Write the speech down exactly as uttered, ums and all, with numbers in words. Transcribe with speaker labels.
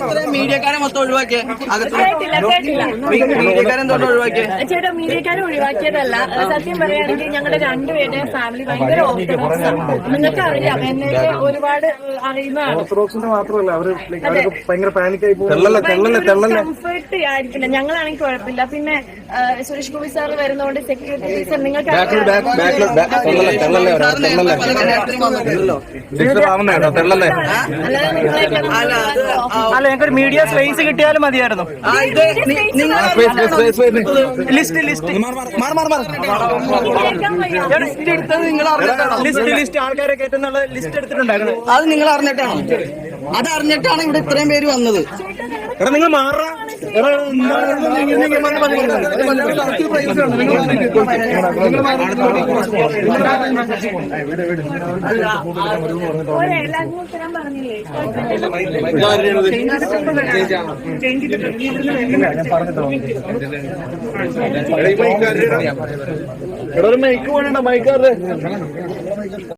Speaker 1: മീഡിയക്കാരെ മൊത്തം ഒഴിവാക്കിയ മീഡിയക്കാരെ എന്തുകൊണ്ട് ഒഴിവാക്കിയ
Speaker 2: ചേട്ടാ മീഡിയക്കാരെ ഒഴിവാക്കിയതല്ല. സത്യം പറയുകയാണെങ്കിൽ ഞങ്ങളുടെ രണ്ടുപേരുടെ ഫാമിലി ഭയങ്കര ഓർത്തഡോക്സ് ആണ്. നിങ്ങൾക്ക് അറിയാം, എന്നെ ഒരുപാട് അറിയുന്നതാണ്. കംഫർട്ട് ആയിരിക്കില്ല, ഞങ്ങളാണെങ്കിൽ കുഴപ്പമില്ല. പിന്നെ സുരേഷ് ഗോപി സാർ വരുന്നതുകൊണ്ട് സെക്യൂരിറ്റി ടീച്ചർ നിങ്ങൾക്ക്
Speaker 3: അല്ല, ഞങ്ങൾക്കൊരു മീഡിയ സ്പേസ് കിട്ടിയാലും മതിയായിരുന്നു. ലിസ്റ്റ് ലിസ്റ്റ് ലിസ്റ്റ് ലിസ്റ്റ് ആൾക്കാരെ കയറ്റുന്നുള്ള ലിസ്റ്റ് എടുത്തിട്ടുണ്ടായിരുന്നു.
Speaker 1: അത് നിങ്ങൾ അറിഞ്ഞിട്ടാണോ? അത് അറിഞ്ഞിട്ടാണ് ഇവിടെ ഇത്രയും പേര് വന്നത്.
Speaker 3: എടാ നിങ്ങൾ മാറാ
Speaker 4: മൈക്ക് വേണ്ട മൈക്കാറ്